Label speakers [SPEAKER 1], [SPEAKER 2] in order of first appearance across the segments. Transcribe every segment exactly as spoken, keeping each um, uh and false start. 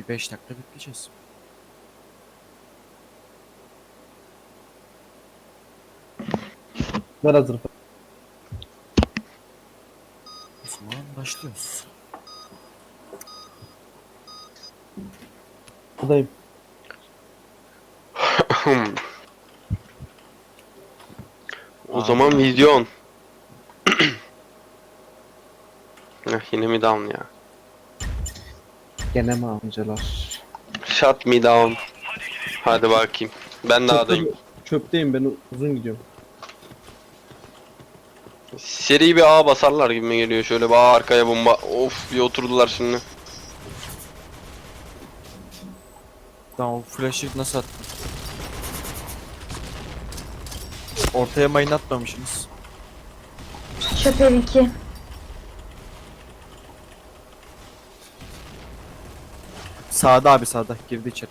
[SPEAKER 1] Bir beş dakika bekleyeceğiz.
[SPEAKER 2] Ver hazır.
[SPEAKER 1] O zaman başlıyoruz.
[SPEAKER 2] Buradayım.
[SPEAKER 3] O
[SPEAKER 1] Aa.
[SPEAKER 3] zaman vizyon. Heh, yine mi down ya?
[SPEAKER 2] Gene mi amcalar?
[SPEAKER 3] Shut me down. Hadi bakayım. Ben dağdayım.
[SPEAKER 2] Çöpte, çöpteyim ben uzun gidiyorum.
[SPEAKER 3] Seri bir A basarlar gibi mi geliyor? Şöyle bir A arkaya bomba. Of, bir oturdular şimdi.
[SPEAKER 1] Tamam, o flash'ı nasıl attın? Ortaya mayın atmamışsınız.
[SPEAKER 4] Şoför iki.
[SPEAKER 1] Sağda abi, sağda. Girdi içeri.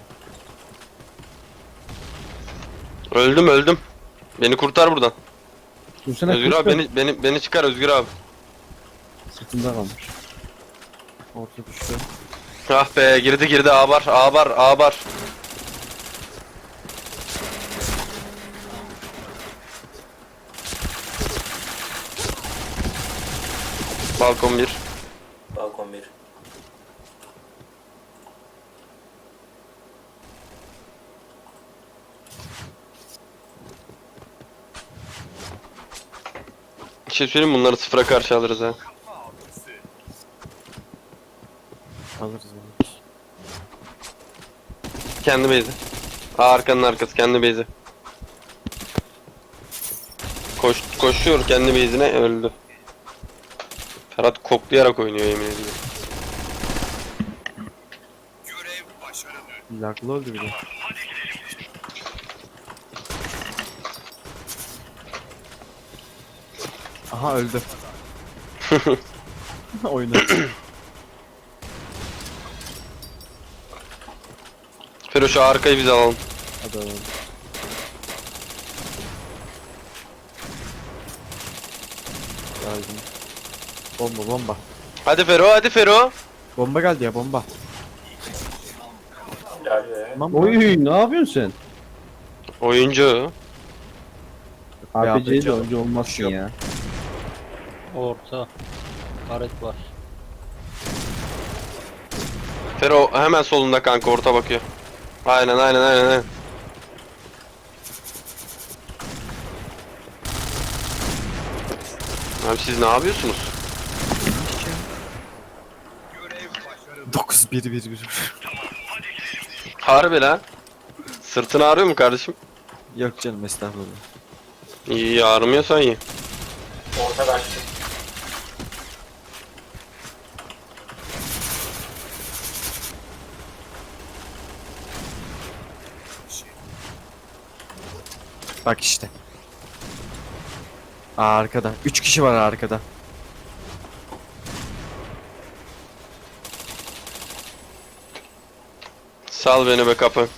[SPEAKER 3] Öldüm öldüm. Beni kurtar buradan.
[SPEAKER 2] Dursana
[SPEAKER 3] Özgür
[SPEAKER 2] kuş
[SPEAKER 3] abi
[SPEAKER 2] ver.
[SPEAKER 3] beni beni beni çıkar Özgür abi.
[SPEAKER 2] Sırtımda kalmış.
[SPEAKER 1] Orta düştü.
[SPEAKER 3] Ah be, girdi girdi, A var A var A var. Balkon bir.
[SPEAKER 5] Balkon bir.
[SPEAKER 3] Bir şey söyleyeyim mi? Bunları sıfıra karşı alırız ha.
[SPEAKER 1] Alırız alırız.
[SPEAKER 3] Kendi base'i. A arkanın arkası, kendi base'i. Koş, koşuyor kendi base'ine, öldü. Ferhat koklayarak oynuyor, yemin ediyorum.
[SPEAKER 1] Laglı öldü bir de. Aha, öldü. Oyunu.
[SPEAKER 3] Fero şu arkayı biz alalım.
[SPEAKER 1] Hadi alalım. Geldim. Bomba bomba.
[SPEAKER 3] Hadi Fero, hadi Fero.
[SPEAKER 1] Bomba geldi ya, bomba.
[SPEAKER 5] Helal be.
[SPEAKER 1] Tamam mı?
[SPEAKER 2] Oy ne yapıyorsun sen?
[SPEAKER 3] Oyuncu.
[SPEAKER 2] A P C'de
[SPEAKER 1] A P C
[SPEAKER 2] önce olmazsın
[SPEAKER 1] yok.
[SPEAKER 2] ya.
[SPEAKER 6] Orta. Karet var.
[SPEAKER 3] Fero hemen solunda kanka, orta bakıyor. Aynen aynen aynen aynen. Abi siz ne yapıyorsunuz?
[SPEAKER 1] dokuz bir bir bir.
[SPEAKER 3] Harbi lan. Sırtın ağrıyor mu kardeşim?
[SPEAKER 1] Yok canım, estağfurullah.
[SPEAKER 3] İyi, ağrımıyorsan iyi.
[SPEAKER 5] Orta kaçtı.
[SPEAKER 1] Bak işte. Aa, arkada. üç kişi var arkada.
[SPEAKER 3] Sal beni be kapı.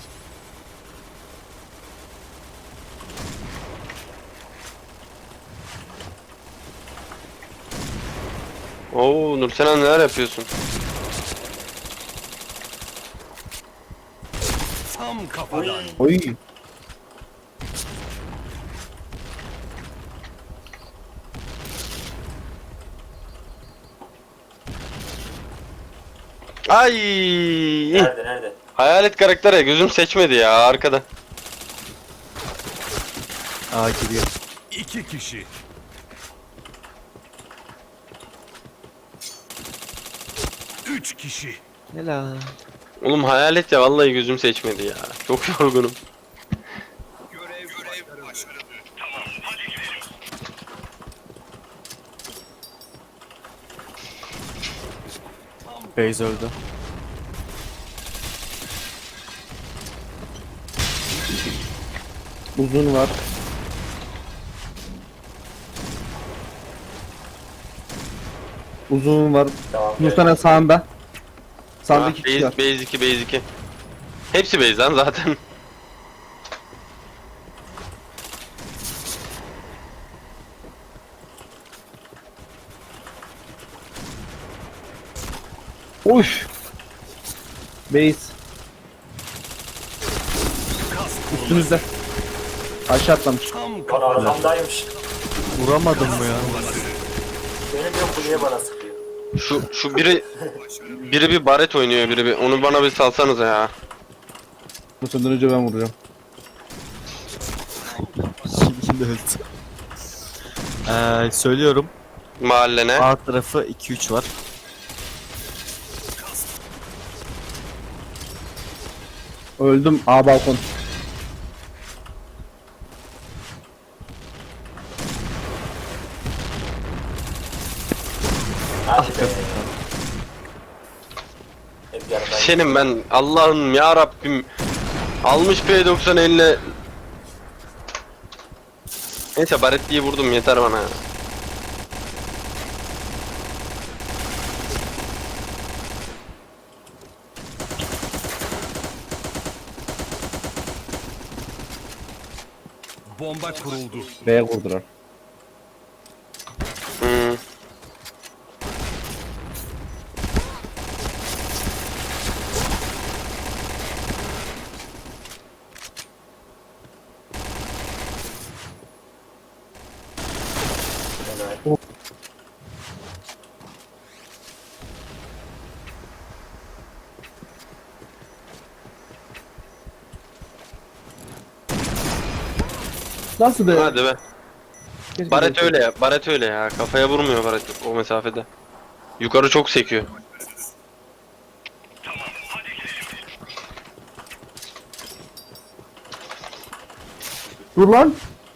[SPEAKER 3] Oo Nursena, neler yapıyorsun?
[SPEAKER 2] Oy.
[SPEAKER 3] Ay!
[SPEAKER 5] Nerede nerede?
[SPEAKER 3] Hayalet karakter ya, gözüm seçmedi ya arkada.
[SPEAKER 1] Aa, giriyor.
[SPEAKER 7] İki kişi. Üç kişi.
[SPEAKER 1] Ne la?
[SPEAKER 3] Oğlum hayalet ya, vallahi gözüm seçmedi ya. Çok yorgunum.
[SPEAKER 7] Görev, görev başarılı. Tamam, hadi gidelim.
[SPEAKER 1] Base öldü.
[SPEAKER 2] Uzun var. Uzun var.
[SPEAKER 5] Tamam.
[SPEAKER 2] Nursana sağında.
[SPEAKER 3] Ha,
[SPEAKER 2] Sağında iki kişi
[SPEAKER 3] base,
[SPEAKER 2] var.
[SPEAKER 3] base iki, base iki. Hepsi base lan zaten.
[SPEAKER 2] Oy. Base. Üstünüzde. Aşağı atlamış.
[SPEAKER 7] Tam
[SPEAKER 5] Lan
[SPEAKER 7] kafadan.
[SPEAKER 5] arkamdaymış.
[SPEAKER 1] Vuramadım mı ya?
[SPEAKER 5] Beni diyor kuleye bana sıkıyor.
[SPEAKER 3] Şu şu biri biri bir baret oynuyor biri bir. Onu bana bir salsanıza ya.
[SPEAKER 2] Bu senden önce ben vuracağım.
[SPEAKER 1] Yine öldü. Ee, söylüyorum.
[SPEAKER 3] Mahallene.
[SPEAKER 1] A tarafı iki üç var.
[SPEAKER 2] Öldüm. A balkon.
[SPEAKER 5] Hadi be. Hep yanımdan.
[SPEAKER 3] Senin ben Allah'ım ya Rabbim almış P doksan eline. Neyse baretliyi vurdum yeter bana ya.
[SPEAKER 7] Bomba kuruldu.
[SPEAKER 2] B'ye vurdular.
[SPEAKER 3] Hmm.
[SPEAKER 5] Helal.
[SPEAKER 2] Nasıl be?
[SPEAKER 3] Hadi be.
[SPEAKER 2] Keşke
[SPEAKER 3] Baret
[SPEAKER 2] böyle-
[SPEAKER 3] öyle ya. Baret öyle ya. Kafaya vurmuyor baret o mesafede. Yukarı çok sekiyor.
[SPEAKER 2] Dur lan.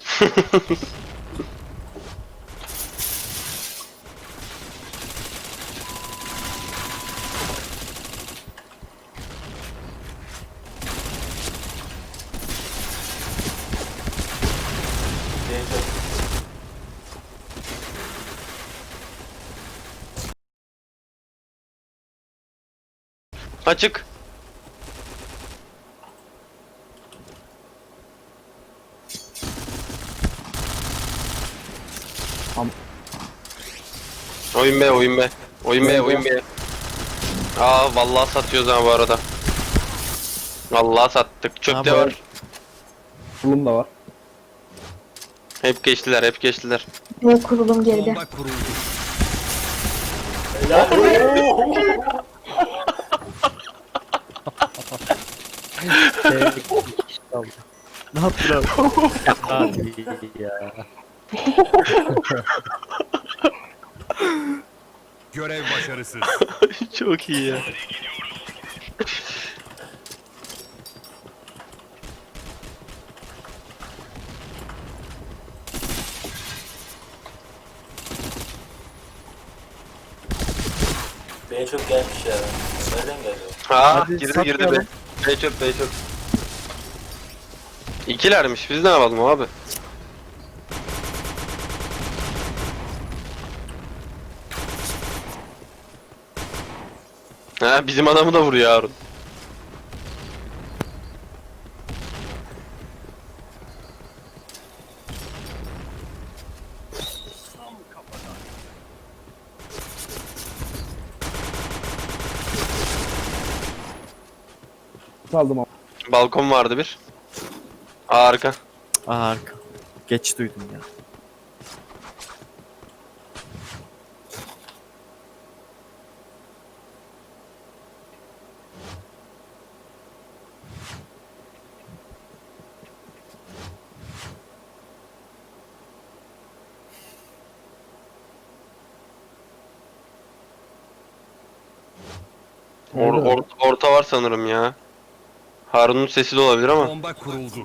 [SPEAKER 5] Gençler.
[SPEAKER 3] Açık.
[SPEAKER 2] Am-
[SPEAKER 3] Oyun be oyun be. Oyun be oyun be. Aa vallahi satıyoruz ha bu arada. Vallahi sattık. Çöp de
[SPEAKER 1] Ha,
[SPEAKER 3] var.
[SPEAKER 2] Fulum da var.
[SPEAKER 3] Hep geçtiler hep geçtiler.
[SPEAKER 4] Ve kurulum geride.
[SPEAKER 7] Bomba kuruldu.
[SPEAKER 5] Helal. Oo!
[SPEAKER 6] Tek kişi kaldı.
[SPEAKER 1] Ne yaptılar?
[SPEAKER 6] Hadi ya.
[SPEAKER 7] Görev başarısız.
[SPEAKER 3] Çok iyi ya.
[SPEAKER 5] Beni çok gelmiş ya. Nereden geliyor?
[SPEAKER 3] Ha
[SPEAKER 1] Hadi
[SPEAKER 3] girdi
[SPEAKER 1] satmayalım.
[SPEAKER 3] girdi be. Bey çöp bey çöp. İkilermiş biz ne yapalım abi? Ha bizim adamı da vuruyor Harun.
[SPEAKER 2] Saldım ama.
[SPEAKER 3] Balkon vardı bir. Harika.
[SPEAKER 1] Aa, arka. Geç duydum ya.
[SPEAKER 3] Or, or- orta var sanırım ya. Harun'un sesi de olabilir ama.
[SPEAKER 7] Bomba kuruldu.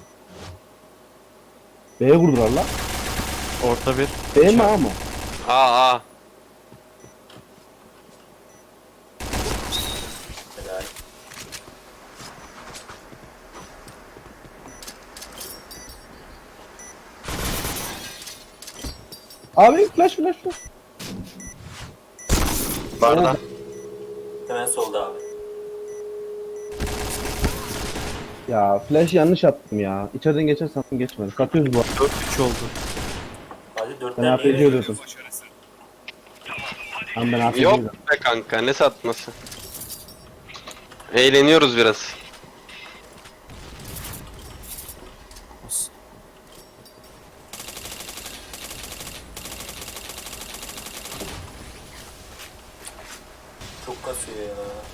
[SPEAKER 2] B'ye vurdular lan.
[SPEAKER 1] Orta bir.
[SPEAKER 2] B mi A mı?
[SPEAKER 3] Aa aa.
[SPEAKER 5] Helal.
[SPEAKER 2] Abi flash flash flash.
[SPEAKER 3] Barda.
[SPEAKER 5] Hemen solda abi.
[SPEAKER 2] Ya flash yanlış attım ya. İçeriden geçer sandım geçmedi. Satıyoruz bu arada.
[SPEAKER 1] dört üç oldu.
[SPEAKER 5] Hadi
[SPEAKER 2] Ben
[SPEAKER 5] dörtten
[SPEAKER 2] A P C
[SPEAKER 5] niye
[SPEAKER 2] ölüyordum. Tamam ben A P C
[SPEAKER 3] Yok
[SPEAKER 2] ölüyordum.
[SPEAKER 3] be kanka ne satması. Eğleniyoruz biraz.
[SPEAKER 1] Olsun.
[SPEAKER 5] Çok kasıyor ya.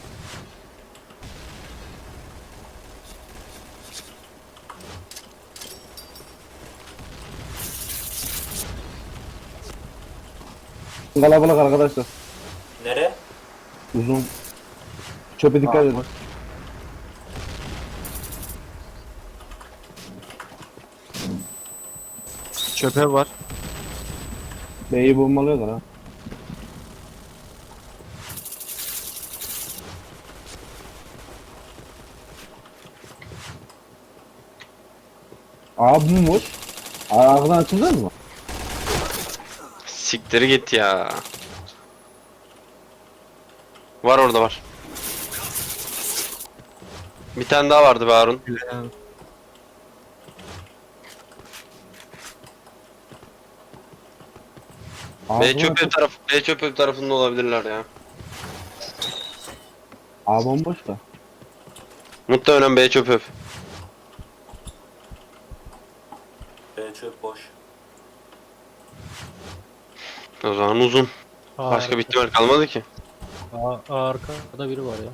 [SPEAKER 2] Kalabalık arkadaşlar.
[SPEAKER 5] Nere?
[SPEAKER 2] Uzun. Çöpe dikkat edin.
[SPEAKER 1] Çöpe var.
[SPEAKER 2] B'yi bombalıyorlar ha. Abi mi boş? Arkadan açılır mı?
[SPEAKER 3] Siktir git ya. Var orada var. Bir tane daha vardı be Harun. B
[SPEAKER 2] Ağzına
[SPEAKER 3] çöp ev
[SPEAKER 2] açıl-
[SPEAKER 3] taraf, B çöp ev tarafında olabilirler ya.
[SPEAKER 2] A bomboş da.
[SPEAKER 3] Muhtemelen B çöp ev.
[SPEAKER 5] B çöp boş.
[SPEAKER 3] O zaman uzun. Başka bir ihtimal kalmadı ki.
[SPEAKER 6] Aa, arkada biri var ya.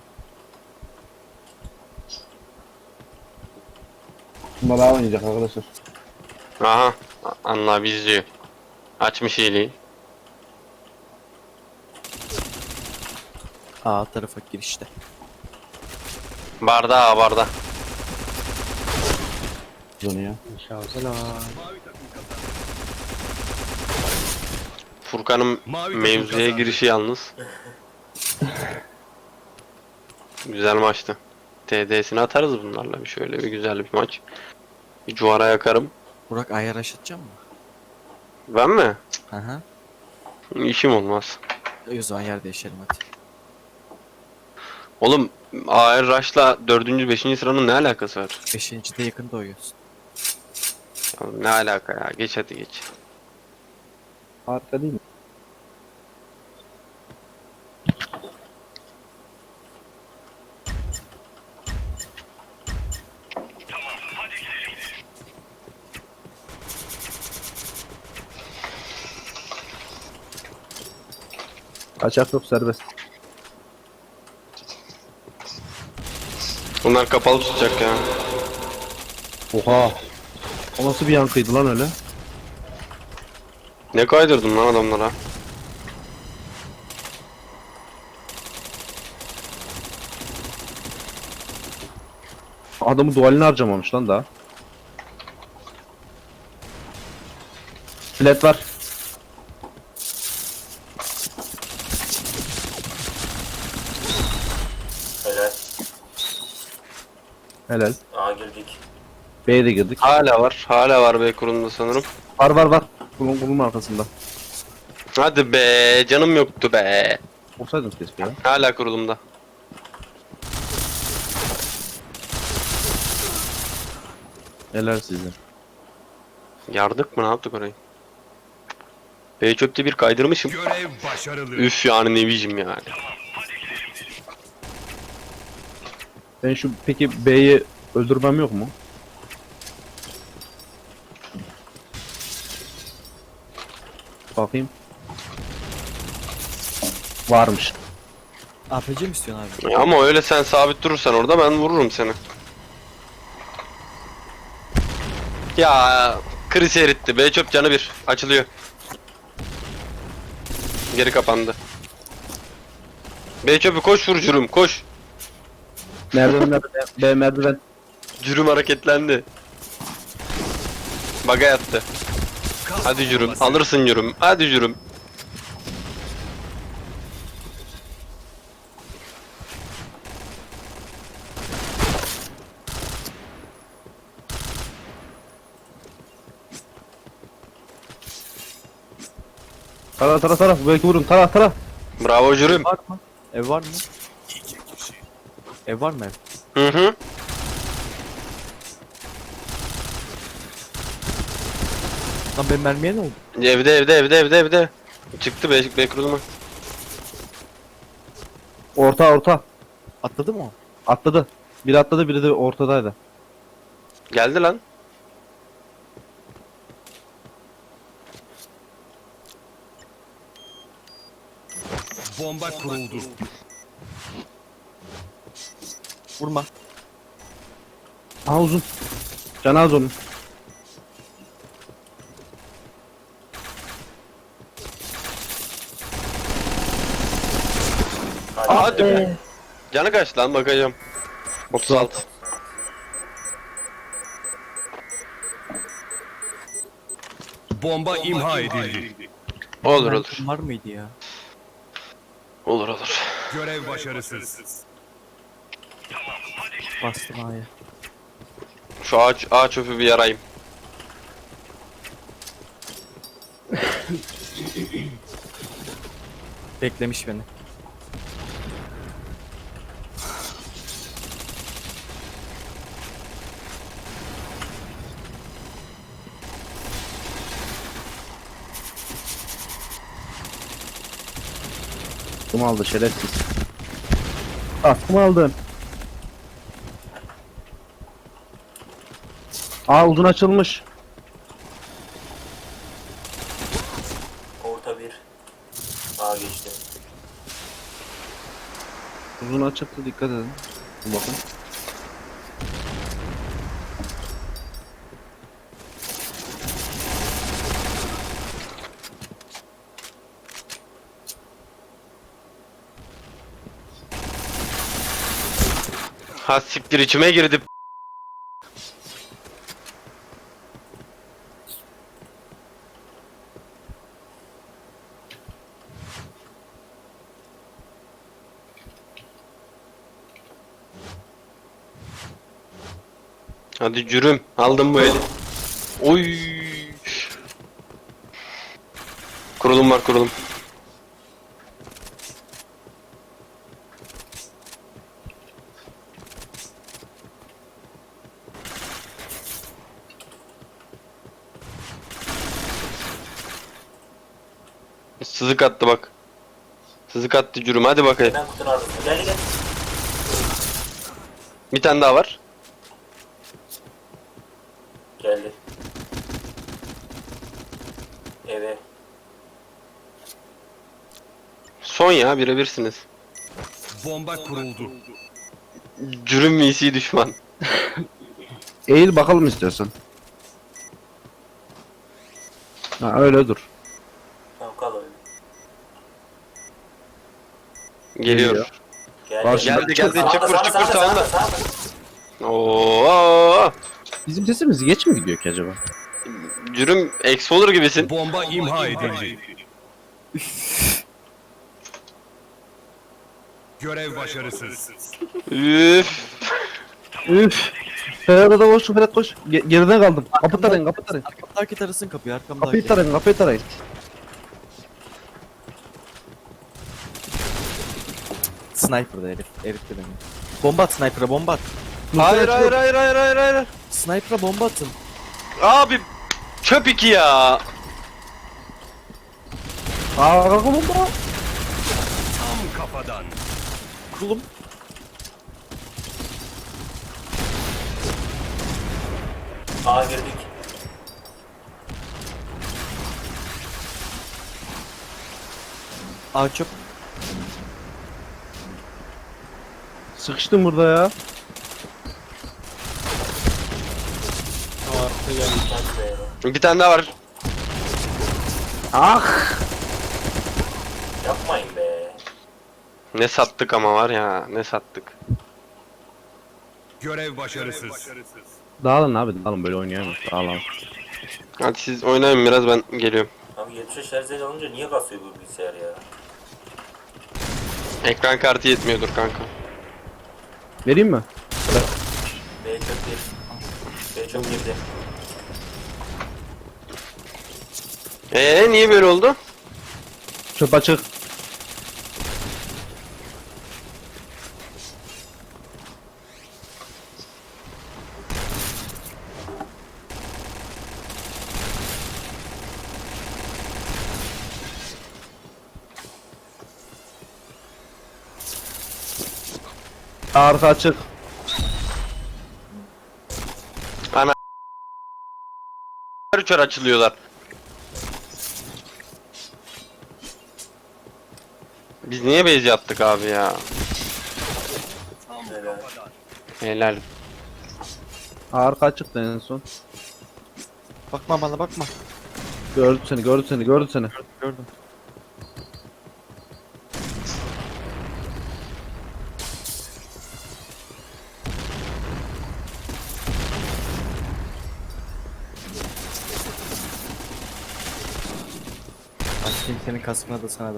[SPEAKER 2] Bunlar daha oynayacak arkadaşlar.
[SPEAKER 3] Aha. Anla abi izliyor. Açmış iyiliği.
[SPEAKER 1] A tarafa girişte.
[SPEAKER 3] Barda ha barda.
[SPEAKER 2] Uzun ya.
[SPEAKER 6] Şansına.
[SPEAKER 3] Furkan'ın
[SPEAKER 7] Mavi takım
[SPEAKER 3] mevzuya
[SPEAKER 7] kazandı.
[SPEAKER 3] girişi yalnız. Güzel maçtı. T D'sini atarız bunlarla bir şöyle bir güzel bir maç. Bir cuvara yakarım.
[SPEAKER 1] Burak ayar aşatacak mı?
[SPEAKER 3] Ben mi?
[SPEAKER 1] Hı hı.
[SPEAKER 3] İşim olmaz.
[SPEAKER 1] E, O zaman yer değişelim hadi.
[SPEAKER 3] Oğlum A R Rush'la dördüncü beşinci sıranın ne alakası var?
[SPEAKER 1] Beşincide yakında oynuyorsun.
[SPEAKER 3] Ya ne alaka ya? Geç hadi geç.
[SPEAKER 2] Harika değil mi? Kaçak yok, serbest.
[SPEAKER 3] Bunlar kapalı tutacak ya.
[SPEAKER 2] Oha. O nasıl bir yankıydı lan öyle?
[SPEAKER 3] Ne kaydırdın lan adamlara?
[SPEAKER 2] Adamı dualini harcamamış lan daha. Flat var.
[SPEAKER 5] Helal.
[SPEAKER 2] Helal.
[SPEAKER 5] A girdik.
[SPEAKER 2] B'ye de girdik.
[SPEAKER 3] Hala var. Hala var B kurunda sanırım.
[SPEAKER 2] Var var var. Kulun kulun arkasında.
[SPEAKER 3] Hadi be canım yoktu be.
[SPEAKER 2] Olsaydın keşke ya.
[SPEAKER 3] Hala kurulumda.
[SPEAKER 2] Helal sizin.
[SPEAKER 3] Yardık mı ne yaptık orayı? B çöpte bir kaydırmışım.
[SPEAKER 7] Görev başarılı.
[SPEAKER 3] Üf yani ne biçim yani.
[SPEAKER 2] Ben şu peki B'yi öldürmem yok mu? Bakayım. Varmış.
[SPEAKER 1] A P C mi istiyorsun abi?
[SPEAKER 3] Ya ama öyle sen sabit durursan orada ben vururum seni. Ya kriz eritti. B çöp canı bir. Açılıyor. Geri kapandı. B çöpü koş vur cürüm koş.
[SPEAKER 2] Merdiven merdiven. B merdiven.
[SPEAKER 3] Cürüm hareketlendi. Baga yattı. Hadi cürüm alırsın cürüm. Hadi cürüm.
[SPEAKER 2] Tara tara tara. Belki vurun. Tara tara.
[SPEAKER 3] Bravo cürüm.
[SPEAKER 1] Var mı? Ev var mı? Ev var mı ev?
[SPEAKER 3] Hı hı.
[SPEAKER 1] Lan benim mermiye ne oldu?
[SPEAKER 3] Evde evde evde evde evde. Çıktı B, B kuruluma.
[SPEAKER 2] Orta orta.
[SPEAKER 1] Atladı mı o?
[SPEAKER 2] Atladı. Biri atladı, biri de ortadaydı.
[SPEAKER 3] Geldi lan.
[SPEAKER 7] Bomba kuruldu.
[SPEAKER 1] Vurma.
[SPEAKER 2] Aha uzun. Canı az onun.
[SPEAKER 3] Aa, hadi be.
[SPEAKER 4] Ee,
[SPEAKER 3] Canı kaç lan bakacağım. otuz altı.
[SPEAKER 7] Bomba imha edildi.
[SPEAKER 3] Olur olur.
[SPEAKER 1] Var mıydı ya?
[SPEAKER 3] Olur olur.
[SPEAKER 7] Görev başarısız.
[SPEAKER 1] Bastım A'ya.
[SPEAKER 3] Şu ağaç, ağaç çöpü bir yarayım.
[SPEAKER 1] Beklemiş beni.
[SPEAKER 2] Kum aldı şerefsiz. Ah kum aldın. Aa uzun açılmış.
[SPEAKER 5] Orta bir. A geçti.
[SPEAKER 2] Uzun açıktı, dikkat edin. Dur bakın.
[SPEAKER 3] Ha siktir içime girdi. Hadi cürüm. Aldım bu eli. Oy. Kurulum var kurulum. Sızık attı bak. Sızık attı cürüm, hadi bakayım.
[SPEAKER 5] Hemen kutunun arkasına. Gel gel.
[SPEAKER 3] Bir tane daha var.
[SPEAKER 5] Geldi. Eve.
[SPEAKER 3] Son ya, birebirsiniz.
[SPEAKER 7] Bomba kuruldu.
[SPEAKER 3] Cürüm misi düşman.
[SPEAKER 2] Eğil bakalım istiyorsan. Ha öyle dur.
[SPEAKER 5] Tamam kal öyle.
[SPEAKER 3] Geliyor.
[SPEAKER 2] Geliyor.
[SPEAKER 5] Gel.
[SPEAKER 2] Karşı-
[SPEAKER 5] gel.
[SPEAKER 3] Geldi geldi,
[SPEAKER 5] Sağda,
[SPEAKER 3] çukur
[SPEAKER 5] sağda,
[SPEAKER 3] çukur
[SPEAKER 5] sağda,
[SPEAKER 3] sağında.
[SPEAKER 5] sağda, sağda.
[SPEAKER 3] Oo.
[SPEAKER 2] Bizim sesimiz geç mi gidiyor ki acaba?
[SPEAKER 3] Cürüm eksi olur gibisin.
[SPEAKER 7] Bomba imha edildi. Görev başarısız.
[SPEAKER 3] Üf.
[SPEAKER 2] Üf. Ferhat'a da koş, Ferhat koş. Ge- geriden kaldım. Kapı tarayın, kapı tarayın.
[SPEAKER 1] Arkamdaki tarasın kapıyı, arkamdaki.
[SPEAKER 2] Kapıyı tarayın, kapıyı tarayın.
[SPEAKER 1] Sniper'da herif. Herif de beni. Bomba at sniper'a, bomba at.
[SPEAKER 3] Hayır hayır hayır hayır hayır hayır.
[SPEAKER 1] Sniper'a bomba atın.
[SPEAKER 3] Abi çöp iki ya.
[SPEAKER 2] Aa kapı bomba.
[SPEAKER 7] Tam kafadan.
[SPEAKER 1] Kurulum.
[SPEAKER 5] A girdik.
[SPEAKER 1] A çöp.
[SPEAKER 2] Sıkıştım burada ya.
[SPEAKER 6] Arka geldi.
[SPEAKER 5] Hadi be.
[SPEAKER 3] Bir tane daha var.
[SPEAKER 2] Ah.
[SPEAKER 5] Yapmayın be.
[SPEAKER 3] Ne sattık ama var ya, ne sattık.
[SPEAKER 7] Görev başarısız.
[SPEAKER 2] Dağılın abi, dağılın, böyle oynayamıyoruz. Dağılın.
[SPEAKER 3] Hadi siz oynayın biraz, ben geliyorum.
[SPEAKER 5] Abi yetmiş beş Hz alınca niye kasıyor bu bilgisayar ya?
[SPEAKER 3] Ekran kartı yetmiyordur kanka.
[SPEAKER 2] Vereyim mi?
[SPEAKER 5] B çok bir. B çok girdi.
[SPEAKER 3] Eee niye böyle oldu?
[SPEAKER 2] Çöp açık. Arka açık.
[SPEAKER 3] Üçer açılıyorlar. Biz niye base yaptık abi ya?
[SPEAKER 5] Helal.
[SPEAKER 3] Helal.
[SPEAKER 2] Arka açıktı en son.
[SPEAKER 1] Bakma bana bakma.
[SPEAKER 2] Gördü seni, gördü seni, gördü seni.
[SPEAKER 1] Gördüm. Başlayayım senin kaskına da sana da.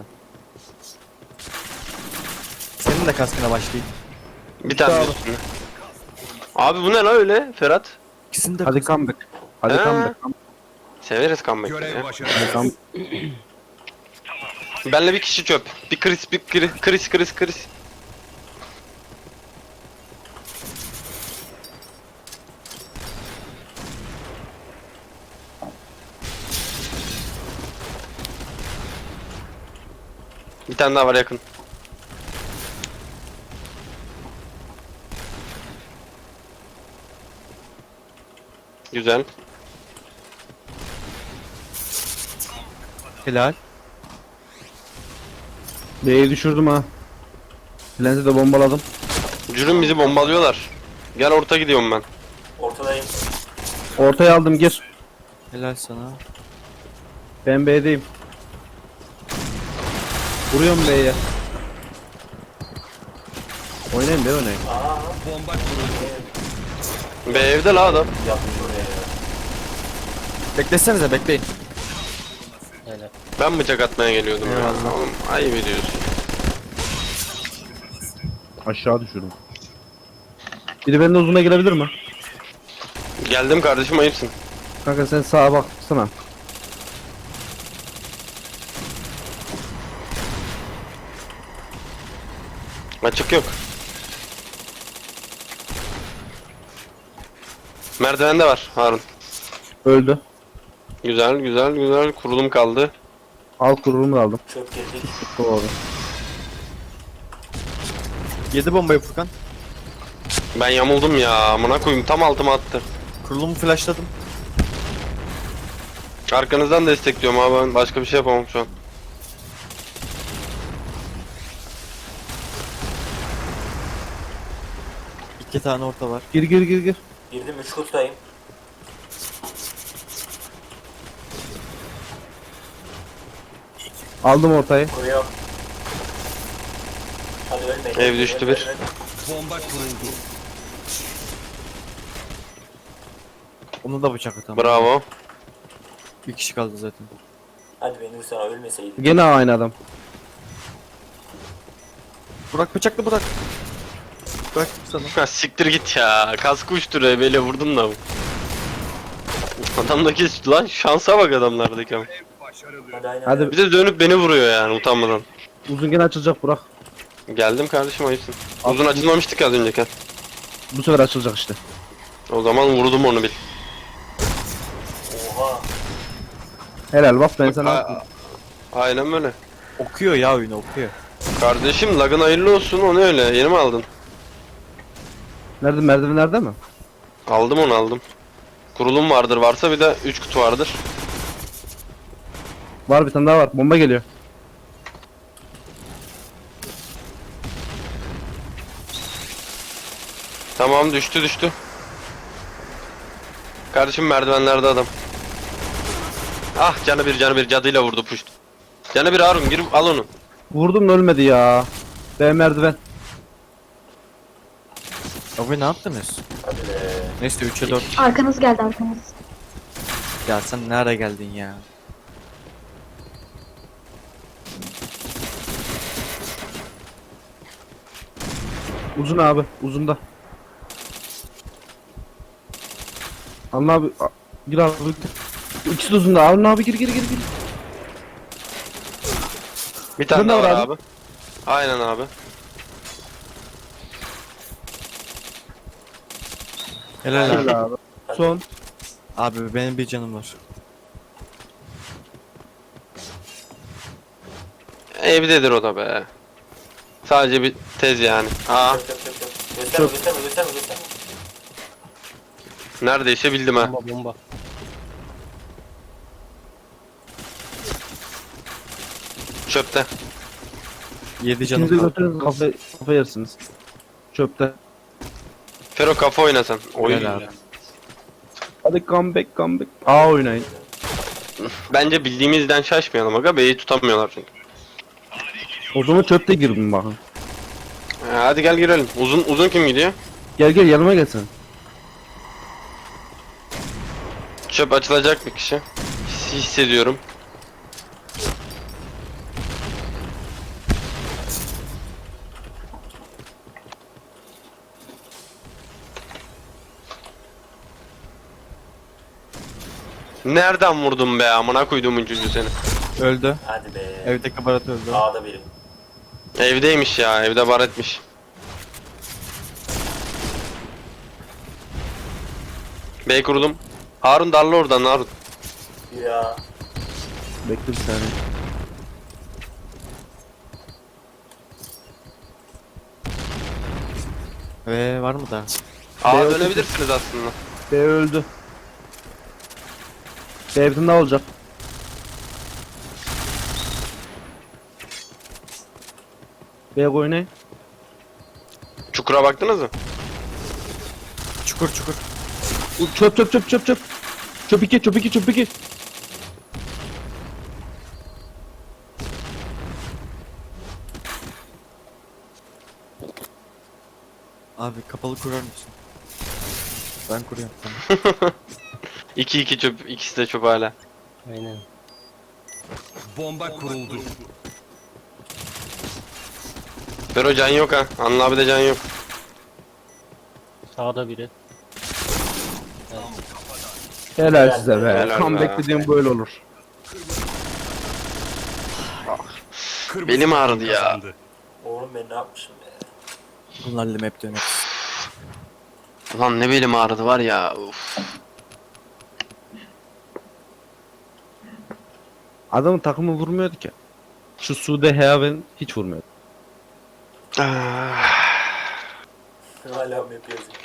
[SPEAKER 1] Senin de kaskına başlayayım.
[SPEAKER 3] Bir tane
[SPEAKER 2] Abi.
[SPEAKER 3] üstüne. Abi bu ne lan öyle Ferhat?
[SPEAKER 1] İkisini de
[SPEAKER 2] Hadi comeback. Hadi
[SPEAKER 3] He.
[SPEAKER 2] comeback.
[SPEAKER 3] Severiz comeback'ı
[SPEAKER 7] Görev
[SPEAKER 3] ya.
[SPEAKER 7] başarısız.
[SPEAKER 3] Benle bir kişi çöp. Bir Chris, bir Chris, Chris, Chris, Chris. Bir tane daha var yakın. Güzel.
[SPEAKER 1] helal.
[SPEAKER 2] B'yi düşürdüm ha. Lens'i de bombaladım.
[SPEAKER 3] Cürüm bizi bombalıyorlar. Gel orta gidiyorum ben.
[SPEAKER 5] Ortadayım.
[SPEAKER 2] Ortaya aldım, gir.
[SPEAKER 1] Helal sana.
[SPEAKER 2] Ben B'deyim. Vuruyorum B'ye. Oynayın be, oynayın.
[SPEAKER 5] Aa,
[SPEAKER 7] Bomba kuruldu.
[SPEAKER 3] Be evde la adam.
[SPEAKER 5] yapmış oraya ya.
[SPEAKER 1] Beklesenize bekleyin.
[SPEAKER 6] Helal.
[SPEAKER 3] Ben bıçak atmaya geliyordum ya.
[SPEAKER 1] Eyvallah.
[SPEAKER 3] Oğlum ayıp ediyorsun.
[SPEAKER 2] Aşağı düşürdüm. Biri benden uzuna gelebilir mi?
[SPEAKER 3] Geldim kardeşim ayıpsın.
[SPEAKER 2] Kanka sen sağa baksana.
[SPEAKER 3] Açık yok. Merdivende var Harun.
[SPEAKER 2] Öldü.
[SPEAKER 3] Güzel güzel güzel kurulum kaldı.
[SPEAKER 2] Al kururumu da aldım.
[SPEAKER 5] Çöp girdik.
[SPEAKER 2] Doğru.
[SPEAKER 1] Yedi bombayı Furkan.
[SPEAKER 3] Ben yamuldum ya amına koyayım tam altıma attı.
[SPEAKER 1] Kurulumu flashladım.
[SPEAKER 3] Arkanızdan destekliyorum abi ben başka bir şey yapamam şu an.
[SPEAKER 1] İki tane orta var.
[SPEAKER 2] Gir gir gir gir.
[SPEAKER 5] Girdim üç kutudayım.
[SPEAKER 2] Aldım ortayı.
[SPEAKER 5] Kuruyor. Hadi ölmeyin.
[SPEAKER 3] Ev düştü bir.
[SPEAKER 7] Bomba kuruldu.
[SPEAKER 1] Onu da bıçak atalım.
[SPEAKER 3] Bravo.
[SPEAKER 1] Bir kişi kaldı zaten.
[SPEAKER 5] Hadi beni vursana ölmeseydin.
[SPEAKER 2] Gene aynı adam.
[SPEAKER 1] Burak bıçakla bırak. Bırak sana.
[SPEAKER 3] Ha, siktir git ya. Kaskı uçturuyor böyle vurdum da. Adamdaki lan şansa bak adamlardaki ama.
[SPEAKER 7] Başarılı.
[SPEAKER 5] Hadi aynen.
[SPEAKER 2] Hadi.
[SPEAKER 5] öyle.
[SPEAKER 3] Bir de dönüp beni vuruyor yani utanmadan.
[SPEAKER 2] Uzun gene açılacak Burak.
[SPEAKER 3] Geldim kardeşim ayıpsın. Uzun açılmamıştık az önceki.
[SPEAKER 2] Bu sefer açılacak işte.
[SPEAKER 3] O zaman vurdum onu bil.
[SPEAKER 5] Oha.
[SPEAKER 2] Helal bak ben
[SPEAKER 3] A-
[SPEAKER 2] sana.
[SPEAKER 3] Aynen böyle.
[SPEAKER 1] Okuyor ya oyunu okuyor.
[SPEAKER 3] Kardeşim lagın hayırlı olsun onu öyle. Yeni mi aldın?
[SPEAKER 2] Nerede, merdiven nerede mi?
[SPEAKER 3] Aldım onu aldım. Kurulum vardır varsa bir de üç kutu vardır.
[SPEAKER 2] Var, bir tane daha var. Bomba geliyor.
[SPEAKER 3] Tamam düştü düştü. Kardeşim merdivenlerde adam. Ah canı bir canı bir cadıyla vurdu puşt. Canı bir Harun gir al onu.
[SPEAKER 2] Vurdum da ölmedi ya. B merdiven.
[SPEAKER 1] Abi ne yaptınız?
[SPEAKER 5] Hadi be.
[SPEAKER 1] Neyse üçe dört.
[SPEAKER 4] Arkanız geldi arkanız.
[SPEAKER 1] Ya sen nereye geldin ya?
[SPEAKER 2] Uzun abi, uzunda. Alın abi, a- gir abi, gir. İkisi de uzunda. Alın abi, gir gir gir gir.
[SPEAKER 3] Bir tane
[SPEAKER 2] Bunda
[SPEAKER 3] daha var
[SPEAKER 2] var abi.
[SPEAKER 3] abi. Aynen abi.
[SPEAKER 1] Helal abi.
[SPEAKER 2] Helal abi. Son.
[SPEAKER 1] Abi benim bir canım var.
[SPEAKER 3] Evdedir o da be. Sadece bir tez yani. Aa
[SPEAKER 5] Çöp çöp çöp çöp. Gösterme gösterme gösterme gösterme.
[SPEAKER 3] Neredeyse bildim ha.
[SPEAKER 6] Bomba bomba.
[SPEAKER 3] Çöpte.
[SPEAKER 1] Yedi canım
[SPEAKER 2] İkinizi
[SPEAKER 1] kaldı.
[SPEAKER 2] götürün kafa, kafa yersiniz. Çöpte.
[SPEAKER 3] Fero kafa oynasan. Oy.
[SPEAKER 1] Gel abi.
[SPEAKER 2] Hadi comeback comeback. A oynayın.
[SPEAKER 3] Bence bildiğimizden şaşmayalım aga. B'yi tutamıyorlar çünkü.
[SPEAKER 2] O zaman çöpte girin bakın.
[SPEAKER 3] Ha, hadi gel girelim. Uzun uzun kim gidiyor?
[SPEAKER 2] Gel gel yanıma gelsin.
[SPEAKER 3] Çöp açılacak bir kişi. His- hissediyorum. Nereden vurdun be amına koyduğumun çocuğu seni.
[SPEAKER 1] Öldü.
[SPEAKER 5] Hadi be.
[SPEAKER 1] Evdeki Barat öldü.
[SPEAKER 5] A'da biri.
[SPEAKER 3] Evdeymiş ya, evde bar etmiş. B kurulum. Harun darla oradan Harun.
[SPEAKER 5] Ya.
[SPEAKER 2] Bekle bir saniye.
[SPEAKER 1] Ve var mı daha?
[SPEAKER 3] Aa
[SPEAKER 2] B
[SPEAKER 3] dönebilirsiniz aslında.
[SPEAKER 2] B öldü. B evden daha olacak. B oynayın.
[SPEAKER 3] Çukura baktınız mı?
[SPEAKER 1] Çukur çukur.
[SPEAKER 2] U- Çöp çöp çöp çöp çöp. Çöp iki çöp iki çöp iki.
[SPEAKER 1] Abi kapalı kurar mısın? Ben kuruyorum. Tamam.
[SPEAKER 3] iki iki çöp, ikisi de çöp hala.
[SPEAKER 6] Aynen.
[SPEAKER 7] Bomba kuruldu.
[SPEAKER 3] Fero can yok ha. Anıl abi de can yok.
[SPEAKER 6] Sağda biri.
[SPEAKER 2] Helal size be.
[SPEAKER 3] Helal
[SPEAKER 2] Comeback
[SPEAKER 3] be.
[SPEAKER 2] dediğim böyle olur.
[SPEAKER 7] Kırmızı
[SPEAKER 3] Belim
[SPEAKER 7] takım
[SPEAKER 3] ağrıdı ya.
[SPEAKER 7] kazandı.
[SPEAKER 5] Oğlum ben ne yapmışım be.
[SPEAKER 1] Bunlarla map döner.
[SPEAKER 3] Ulan ne belim ağrıdı var ya. Uf.
[SPEAKER 2] Adamın takımı vurmuyordu ki. Şu Sude Heaven hiç vurmuyordu.
[SPEAKER 3] Ah.
[SPEAKER 5] Hala map yazıyor.